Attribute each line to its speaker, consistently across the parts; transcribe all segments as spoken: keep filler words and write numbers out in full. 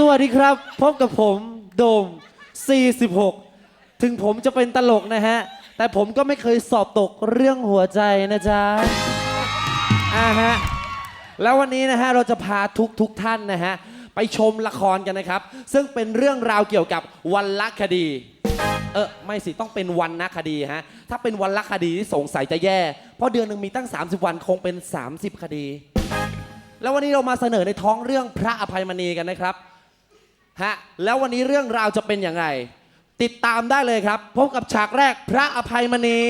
Speaker 1: วัสดีครับพบกับผมโดมสี่สิบหกถึงผมจะเป็นตลกนะฮะแต่ผมก็ไม่เคยสอบตกเรื่องหัวใจนะจ๊ะอ่าฮะแล้ววันนี้นะฮะเราจะพาทุกทุกท่านนะฮะไปชมละครกันนะครับซึ่งเป็นเรื่องราวเกี่ยวกับวรรณคดีเออไม่สิต้องเป็นวรรณคดีฮะถ้าเป็นวรรณคดีที่สงสัยจะแย่เพราะเดือนหนึ่งมีตั้งสามสิบวันคงเป็นสามสิบคดีแล้ววันนี้เรามาเสนอในท้องเรื่องพระอภัยมณีกันนะครับฮะแล้ววันนี้เรื่องราวจะเป็นยังไงติดตามได้เลยครับพบกับฉากแรกพระอภัยมณี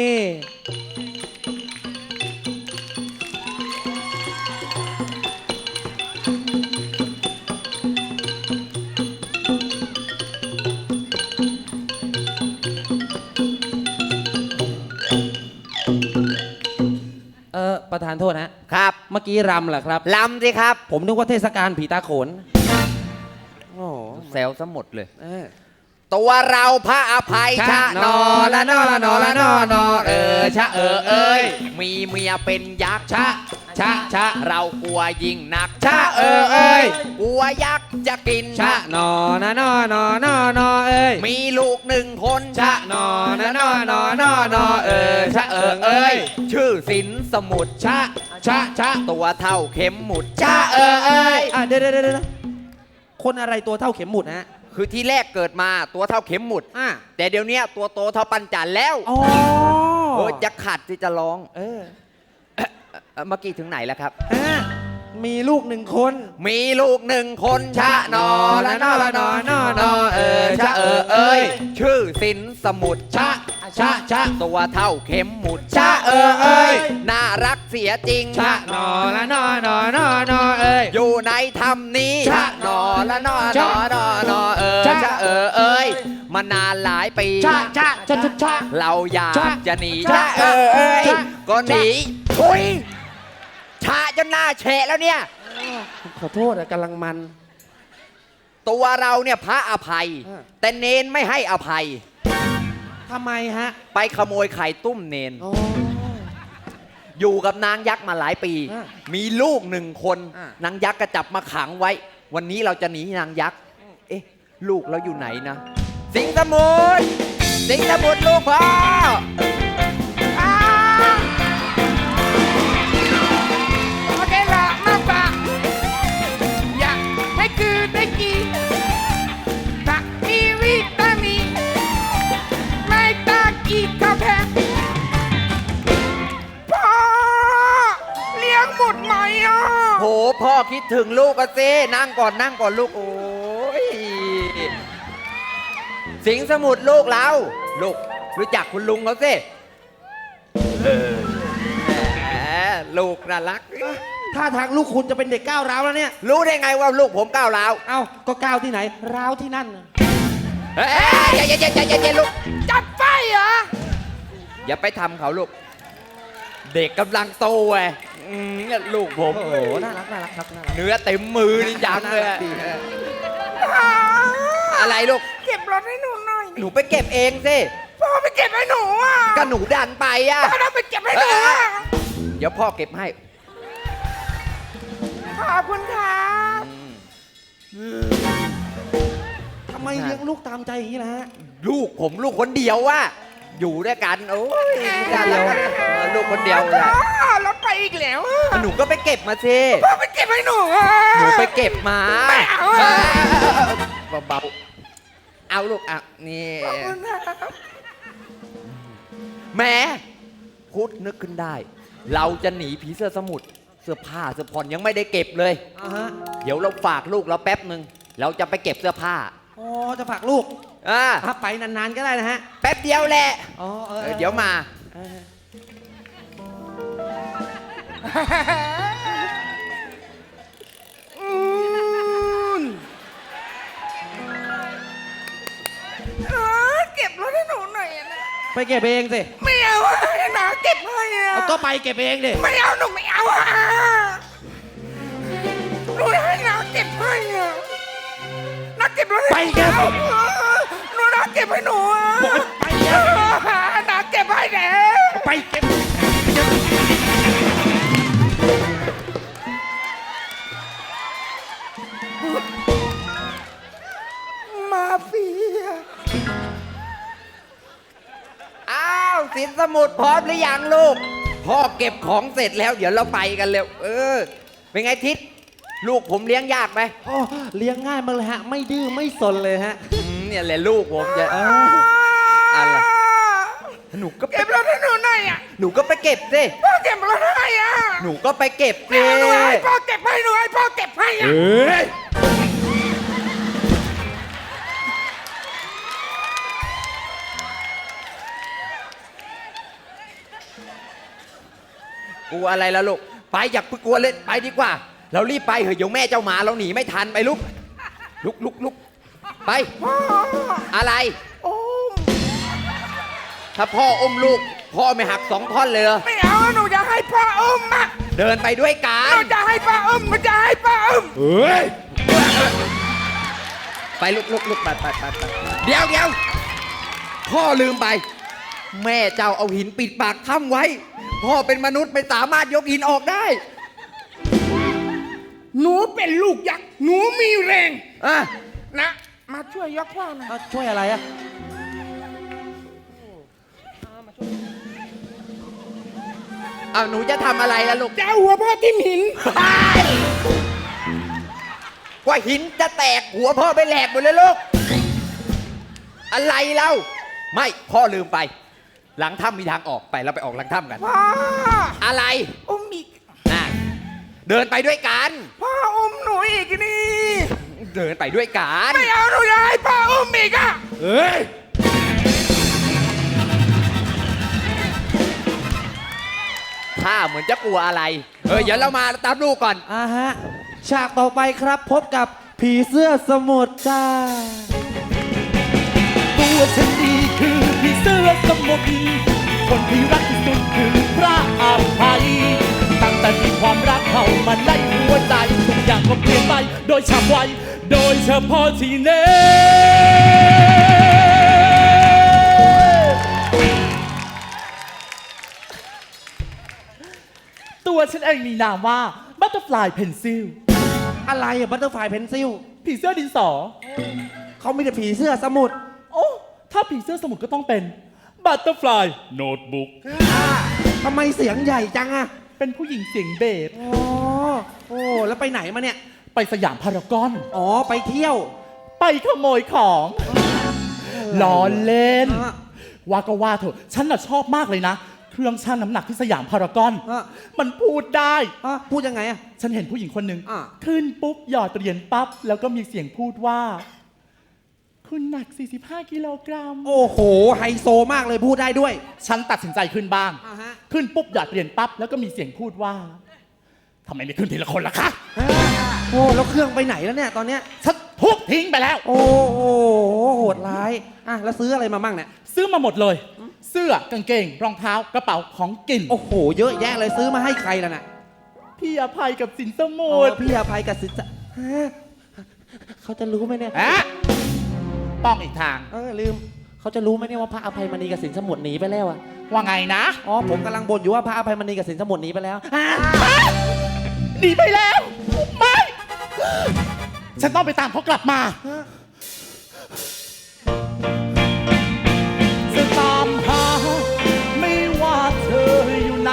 Speaker 1: เออประธานโทษนะครับเมื่อกี้รำเหรอครับ
Speaker 2: ลำสิครับ
Speaker 1: ผมนึกว่าเทศกาลผีตาโขน
Speaker 2: โอ้แซวซะหมดเลย
Speaker 1: เออ
Speaker 2: ตัวเราพระอภัยชะนอละนอละนอละนอนอเออชะเออเอ้ยมีเมียเป็นยักษ์ชะชะชะเรากลัวยิ่งหนักชะเออเอ้ยกลัวยักษ์จะกิน
Speaker 1: ชะนอนะนอนอนอนอเอ้ย
Speaker 2: มีลูกหนึ่งคน
Speaker 1: ชะนอนะนอนอนอนอเออชะเออเอ้ย
Speaker 2: ชื่อสินสมุทร
Speaker 1: ชะชะชะ
Speaker 2: ตัวเท่าเข็มหมุดชะเออเอ้ย
Speaker 1: อ่ะเดี๋ยวเดี๋ยวเดี๋ยวคนอะไรตัวเท่าเข็มหมุดฮะ
Speaker 2: คือที่แรกเกิดมาตัวเท่าเข็มหมุดแต่เดี๋ยวนี้ตัวโตเท่าปันจันแล้ว
Speaker 1: อ๋อ
Speaker 2: โอ้จะขัดที่จะร้อง
Speaker 1: เออ
Speaker 2: เมื่อกี้ถึงไหนแล้วครับ
Speaker 1: มีลูกหนึ่งคน
Speaker 2: มีลูกหนึ่งคนชะนอละนอละนอนอนอเออชะเออเอ้ยชื่อสินสมุทร
Speaker 1: ชะชะชะ
Speaker 2: ตัวเท่าเข็มหมุดชะเออเอ้ยน่ารักเสียจริง
Speaker 1: ชะนอละนอนอนอนอเอ้ย
Speaker 2: อยู่ในธรรมนี้ชะนอละนอนอนอนอเออชะเออเอ้ยมานานหลายปี
Speaker 1: ชะชะชะชะ
Speaker 2: เราอยากจะหนีชะเออเอ้ยก็หนีอุ้ยชะจนหน้าแฉะแล้วเนี่ย
Speaker 1: ขอโทษอะกำลังมัน
Speaker 2: ตัวเราเนี่ยพระอภัยแต่เนนไม่ให้อภัย
Speaker 1: ทำไมฮะ
Speaker 2: ไปขโมยไข่ตุ้มเนนอยู่กับนางยักษ์มาหลายปีมีลูกหนึ่งคนนางยักษ์ก็จับมาขังไว้วันนี้เราจะหนีนางยักษ์เอ๊ะลูกเราอยู่ไหนนะสิงห์สมุทรสิงห์สมุทรลูกพ่อโหพ่อคิดถึงลูกอะเซ่นั่งก่อนนั่งก่อนลูกโอ้ยสิงห์สมุทรลูกเราลูกรู้จักคุณลุงเขาสิลูกน่ารัก
Speaker 1: ถ้าทางลูกคุณจะเป็นเด็กก้าวร้าวแล้วเนี่ย
Speaker 2: รู้ได้ไงว่าลูกผมก้าวร้าว
Speaker 1: เอ้าก็ก้าวที่ไหนร้าวที่นั่น
Speaker 2: เฮ้ยอย่าอย่าอย่าอย่าอย่าลูก
Speaker 3: จับไฟเหรอ
Speaker 2: อย่าไปทำเขาลูกเด็กกำลังโตไงลูกผม
Speaker 1: โอ้โหน่ารักน่ารักครับ
Speaker 2: เนื้อเต็มมือนี่จังเลยอะไรลูก
Speaker 3: เก็บรถให้หนูหน่อย
Speaker 2: หนูไปเก็บเองสิ
Speaker 3: พ่อไปเก็บให้หนูอ่ะ
Speaker 2: ก็หนูดันไปอ่ะ
Speaker 3: พ่อต้องไปเก็บให้หนูอ่ะ
Speaker 2: เดี๋ยวพ่อเก็บให้
Speaker 3: ขอบคุณครับ
Speaker 1: ทำไมเลี้ยงลูกตามใจอย่างนี้นะฮะ
Speaker 2: ลูกผมลูกคนเดียวว่ะอยู่ด้วยกันโอ้ยกันแล้วลูกคนเดียวเลย
Speaker 3: รถไปอีกแล้ว
Speaker 2: หนูก็ไปเก็บมาสิ
Speaker 3: พ่อไปเก็บให้หนู
Speaker 2: หนูไปเก็บมา
Speaker 3: ไม่เอา
Speaker 2: เบาๆเอาลูกอ่ะนี่แม่พูดนึกขึ้นได้เราจะหนีผีเสื้อสมุทรเสื้อผ้าเสื้อผ่อนยังไม่ได้เก็บเลยเดี๋ยวเราฝากลูกเราแป๊บหนึ่งเราจะไปเก็บเสื้อผ้า
Speaker 1: อ๋อจะฝากลูก
Speaker 2: อ่า
Speaker 1: ถ้าไปนานๆก็ได้นะฮะ
Speaker 2: แป๊บเดียวแหละ
Speaker 1: อ๋อ
Speaker 2: เดี๋ยวมา
Speaker 3: เก็บรถให้หนูหน่อยนะ
Speaker 1: ไปเก็บเองสิ
Speaker 3: ไม่เอาให้น้าเก็บให้อ่ะ
Speaker 1: ก็ไปเก็บเองดิ
Speaker 3: ไม่เอาหนูไม่เอาอ่ะหนูให้น้าเก็บให้อ่ะน้าเก็บรถ
Speaker 1: ไปเก็บ
Speaker 3: หนูน้าเก็บให้หนูอ่ะ
Speaker 1: ไปเก็บ
Speaker 3: น้าเก็บให้แน่
Speaker 1: ไปเก็บ
Speaker 3: พ
Speaker 2: สมุทรพร้อมหรือยังลูก พ่อเก็บของเสร็จแล้วเดี๋ยวเราไปกันเร็ว เออ เป็นไงทิศลูกผมเลี้ยงยากไหม
Speaker 1: โอ้เลี้ยงง่ายมากเลยฮะ ไม่ดื้อไม่สนเลยฮะ
Speaker 2: อืมเนี่ยแหละลูกผมจะ
Speaker 1: เออ
Speaker 2: อะไรหนูก็ไป
Speaker 3: เก็บรถให้หนูหน่อยอ่ะ
Speaker 2: หนูก็ไปเก็บสิ
Speaker 3: พ่อเก็บรถให้อ่ะ
Speaker 2: หนูก็ไปเก็บสิ
Speaker 3: หนูให้พ่อเก็บให้หนูให้พ่อเก็บให้อ่ะ
Speaker 2: กลัวอะไรแล้วลูก ไปอย่าเพิ่งกลัวเลยไปดีกว่า เรารีบไปเถอะเดี๋ยวแม่เจ้าหมาเราหนีไม่ทันไปลุกลุกลุกลุกไป
Speaker 3: พ่อ
Speaker 2: อะไร
Speaker 3: โอ้ม
Speaker 2: ถ้าพ่ออมลูก พ่อไม่หักสองท่อนเลยเหรอ
Speaker 3: ไม่เอาหนูจะให้พ่ออุ้มอ่ะ
Speaker 2: เดินไปด้วยกั
Speaker 3: หนู
Speaker 2: น
Speaker 3: จะให้พ่ออุ้มหนูจะให้พ่ออุ้ม
Speaker 1: เฮ้ย
Speaker 2: ไปลุกลุกลุกไปไปไปไปเดี๋ยวเดี๋ยวพ่อลืมไป แม่เจ้าเอาหินปิดปากถ้ำไว้ พ่อเป็นมนุษย์ไม่สามารถยกหินออกได้
Speaker 3: หนูเป็นลูกยักษ์หนูมีแรง
Speaker 2: อ่ะ
Speaker 3: นะ มาช่วยยกพ่อหน่อย
Speaker 1: เอาช่วยอะไรอะ
Speaker 2: เอาหนูจะทำอะไรล่ะลูก
Speaker 3: จะเอาหัวพ่อทิ่มหิน
Speaker 2: กว่าหินจะแตกหัวพ่อไปแหลกหมดเลยลูก อะไรเล่าไม่พ่อลืมไป หลังถ้ำมีทางออกไปเราไปออกหลังถ้ำกัน
Speaker 3: พ่อ
Speaker 2: อะไร
Speaker 3: อุ้มอีก
Speaker 2: น่ะเดินไปด้วยกัน
Speaker 3: พ่ออุ้มหนูอีกนี่
Speaker 2: เดินไปด้วยกัน
Speaker 3: ไม่เอาหนูจะให้พ่ออุ้มอีกอ่ะ
Speaker 1: เฮ้ย
Speaker 2: ถ้าเหมือนจะกลัวอะไร เออเดี๋ยวเรามาตามลูกก่อน
Speaker 1: อ่าฮะ ฉากต่อไปครับพบกับผีเสื้อสมุทรจ้า
Speaker 4: ตัวฉันดีคือพี่เสื้อสมุทรคนที่รักที่สุดคือพระอภัยตั้งแต่มีความรักเข้ามาในหัวใจทุกอย่างก็เปลี่ยนไปโดยฉับไวโดยเฉพาะที่เน่ตัวฉันเองมีนามว่าบัตเตอร์ฟลายเพนซิล
Speaker 1: อะไรอะบัตเตอร์ไฟเพนซิล
Speaker 4: ผีเสื้อดินสอ
Speaker 1: เขามีแต่ผีเสื้อสมุทร
Speaker 4: โอ้ถ้าผีเสื้อสมุทรก็ต้องเป็นบัตเตอร์ฟลายโน้ตบุ๊ก
Speaker 1: ทำไมเสียงใหญ่จังอะ
Speaker 4: เป็นผู้หญิงเสียงเบส
Speaker 1: อ๋อโอ้แล้วไปไหนมาเนี่ย
Speaker 4: ไปสยามพารากอน
Speaker 1: อ๋อ ไปเที่ยว
Speaker 4: ไปขโมยของล้อเล่น
Speaker 1: อ่ะ
Speaker 4: ว่าก็ว่าเถอะ ฉันน่ะชอบมากเลยนะ เครื่องชั่งน้ำหนักที่สยามพารากอน
Speaker 1: อ่ะ
Speaker 4: มันพูดได้
Speaker 1: อ่ะพูดยังไงอะ
Speaker 4: ฉันเห็นผู้หญิงคนหนึ่ง
Speaker 1: อ่ะ
Speaker 4: ขึ้นปุ๊บ หยอดเหรียญปั๊บ แล้วก็มีเสียงพูดว่า คุณหนัก สี่สิบห้า กิโลกรัม
Speaker 1: โอ้โห ไฮโซมากเลยพูดได้ด้วย
Speaker 4: ฉันตัดสินใจขึ้นบ้าง
Speaker 1: อ่าฮะ
Speaker 4: ขึ้นปุ๊บ หยอดเหรียญปั๊บ แล้วก็มีเสียงพูดว่าทำไมไม่ขึ้นทีละคนล่ะคะ
Speaker 1: โอ้แล้วเครื่องไปไหนแล้วเนี่ยตอนเนี้ย
Speaker 4: ฉันทุบทิ้งไปแล้ว
Speaker 1: โอ้โหโหดร้ายอ่ะแล้วซื้ออะไรมามั่งเนี่ย
Speaker 4: ซื้อมาหมดเลย เสื้อกางเกง รองเท้ากระเป๋าของกิน
Speaker 1: โอ้โห เยอะแยะเลยซื้อมาให้ใครล่ะน่ะ
Speaker 4: พี่อภัยกับสินสมุ
Speaker 1: โอ้
Speaker 4: ทร
Speaker 1: พี่อภัยกับสินจะฮะเขาจะรู้ไหมเนี่ย
Speaker 4: อะป้องอีกทาง
Speaker 1: เออลืมเขาจะรู้ไหมเนี่ยว่าพระอภัยมณีกับสินสมุทรหนีไปแล้วอะ
Speaker 4: ว่าไงนะ
Speaker 1: อ๋อผมกำลังบ่นอยู่ว่าพระอภัยมณีกับสินสมุทรหนีไปแล้วอ่ะ
Speaker 4: หนีไปแล้ว ไม่ ฉันต้องไปตามเขากลับมา จะตามหา ไม่ว่าเธออยู่ไหน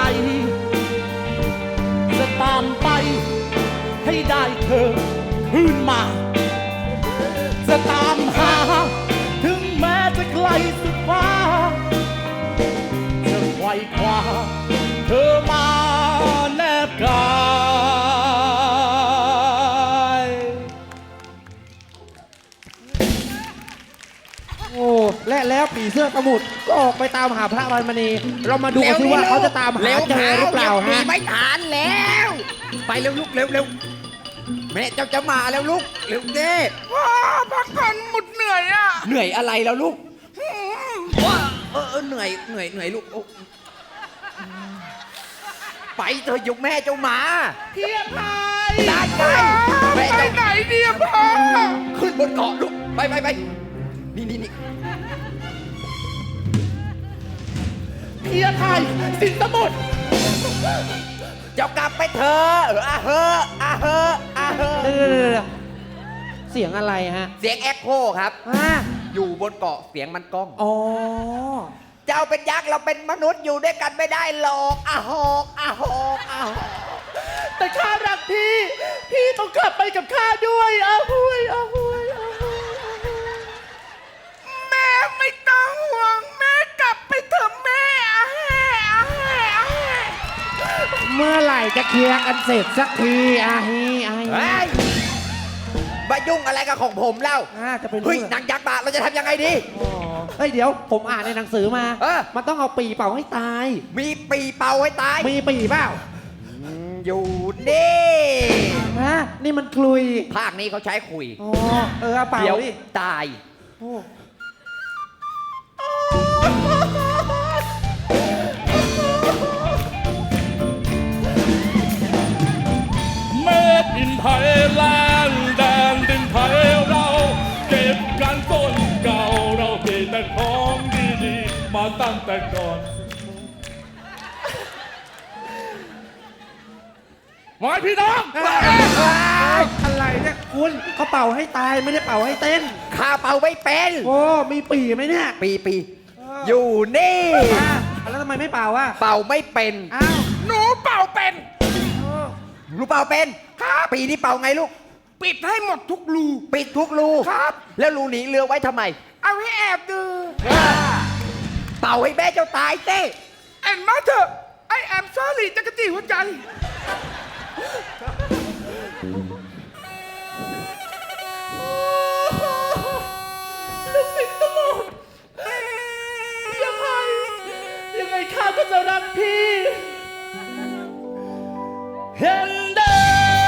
Speaker 4: จะตามไป ให้ได้เธอคืนมา จะตามหา ถึงแม้จะไกลสุดฟ้า จะไขว่คว้าเธอมาแนบกาย
Speaker 1: โอ้และแล้วผีเสื้อสมุทรก็ออกไปตามหาพระอภัยมณี เรามาดูกันสิว่าเขาจะตามหาเจอหรือเปล่า
Speaker 2: หนี
Speaker 1: ฮะ
Speaker 2: ไม่ทันแล้ว ไปเร็วลูกเร็วเร็วแม่เจ้าจะมาแล้วลูกเร็วเด้
Speaker 3: พ่อพักผ่อนหมดเหนื่อยอ่ะ
Speaker 2: เหนื่อยอะไรแล้วลูกว้าเออเออเหนื่อยเหนื่อยเหนื่อยลูกโอ้ไปเธอะยกแม่เจ้ามา
Speaker 3: เพียพาย
Speaker 2: ได้ไง
Speaker 3: ไป
Speaker 2: แม่
Speaker 3: ไหน
Speaker 2: เจ้า
Speaker 3: ดีอะพ่อ
Speaker 2: ขึ้นบนเกาะลูกไปไปไปนี่นี่นี่
Speaker 4: พี่อภัยสินสมุทร
Speaker 2: เจ้ากลับไปเถอะเอออาเฮอะอาเฮอะอาเฮอะ
Speaker 1: เดี๋ยวเดี๋ยวเดี๋ยวเสียงอะไรฮะ
Speaker 2: เสียงแอคโคครับ
Speaker 1: อ่ะ
Speaker 2: อยู่บนเกาะเสียงมันก้อง
Speaker 1: อ๋อ
Speaker 2: เจ้าเป็นยักษ์เราเป็นมนุษย์อยู่ด้วยกันไม่ได้หรอกอะหอกอะหอกอะหอก
Speaker 4: แต่ข้ารักพี่ พี่ต้องกลับไปกับข้าด้วยอาหุยอาหุยอาหุยอาหุย
Speaker 3: แม่ไม่ต้องห่วงแม่กลับไปเถอะแม่อาแห่อาแห่อาแห่
Speaker 1: เมื่อไหร่จะเคลียร์กันเสร็จสักทีอาฮีอาฮี
Speaker 2: เฮ้ยมายุ่งอะไรกับของผมเล่า
Speaker 1: อ่าจะเป็น
Speaker 2: เฮ้ย
Speaker 1: เรื่อง
Speaker 2: นางยักษ์มาเราจะทำยังไงดี
Speaker 1: อ๋อเฮ้ยเดี๋ยวผมอ่านในหนังสือมา
Speaker 2: เออ
Speaker 1: มันต้องเอาปีเป่าให้ตาย
Speaker 2: มีปีเป่าให้ตาย
Speaker 1: มีปีเปล่า
Speaker 2: อืมอยู่นี่
Speaker 1: ฮะนี่มันกลุย
Speaker 2: ภาคนี้เขาใช้คุย
Speaker 1: อ๋อเออเอาเป่า
Speaker 2: เดี๋ยว
Speaker 1: ดิ
Speaker 2: ตาย
Speaker 1: โอ้
Speaker 4: เมดอินไทยแลนด์แดนดินไทยเรา เก็บกันต้นเก่าเราเก็บแต่ของดีๆมาตั้งแต่ก่อนหมายพี่น้อง
Speaker 1: อะไรเนี่ยคุณเขาเป่าให้ตายไม่ได้เป่าให้เต้น
Speaker 2: ข้าเป่าไม่เป็น
Speaker 1: โอ้มีปีไหมเนี่ย
Speaker 2: ปีปีอยู่นี่
Speaker 1: อ่ะแล้วทำไมไม่เป่าอ่ะ
Speaker 2: เป่าไม่เป็น
Speaker 1: อ้าว
Speaker 3: หนูเป่าเป็น
Speaker 2: ลูกเป่าเป็นครับปีนี้เป่าไงลูก
Speaker 3: ปิดให้หมดทุกรู
Speaker 2: ปิดทุกรู
Speaker 3: ครับ
Speaker 2: แล้วรูหนีเรือไว้ทำไม
Speaker 3: เอาให้แอบดู
Speaker 2: เป่าให้แม่เจ้าตายเต้
Speaker 3: แอนมาเถอะไอแอมซอรี่จักรจี้หัวใจ
Speaker 4: ลูกศิษย์ทั้งหมดยังไงยังไงข้าก็จะรักพี่ เห็นเดิ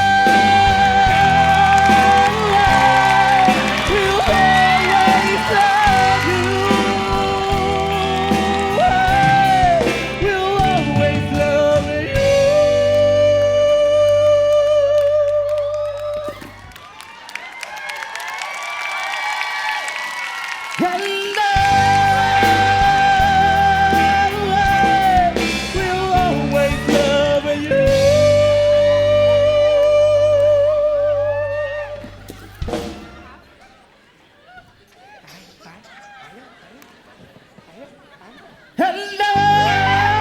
Speaker 4: น Will always love you Will always love you เห็นเดิน Will always love you เห็นเดิน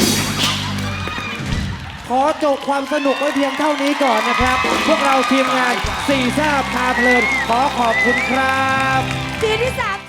Speaker 1: ขอจบความสนุกไว้เพียงเท่านี้ก่อนนะครับ พวกเราทีมงานสี่แซ่บพาเพลิน ขอขอบคุณครับ
Speaker 5: ทีที่สาม